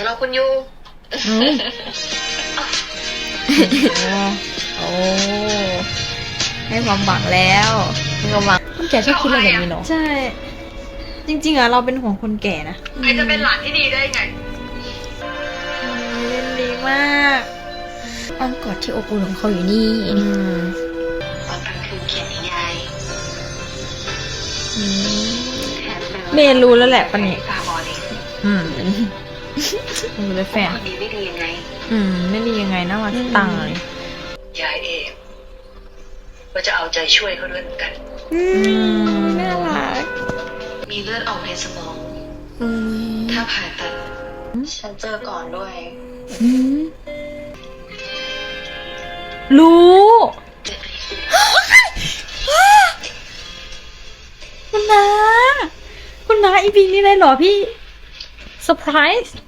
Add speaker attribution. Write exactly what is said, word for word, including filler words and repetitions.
Speaker 1: รอคุณอยู่
Speaker 2: โอ้ให้ความหวังแล้วให้ความหวังคนแก่ชอบคิดอะไรแบบนี้เนาะใช่จริงๆอะเราเป็นห่วงคนแก่นะ
Speaker 1: ใครจะเป็นหลานที่ดีได้ไง
Speaker 2: เล่นดีมากอ้อมกอดที่อบอุ่นของเขาอยู่นี่
Speaker 1: ตอนกลางคืนเขียนนิยาย
Speaker 2: เมย์รู้แล้วแหละปะเนี่ย
Speaker 1: ตาบอดเอง
Speaker 2: อืมรู้เลยแฟน
Speaker 1: คนนี้ไม่ดียังไง
Speaker 2: อืมไม่ดียังไงน่ารักตังเลย
Speaker 1: ยายเองก็จะเอาใจช่วยเขาด้วยเหมือนกัน
Speaker 2: อืมน่ารัก
Speaker 1: มีเลือดออกในสมองถ้าผ่าตัดฉันเจอก่อนด้วย
Speaker 2: รู้คุณน้าคุณน้าอีพีนี้เลยเหรอพี่เซอร์ไพรส์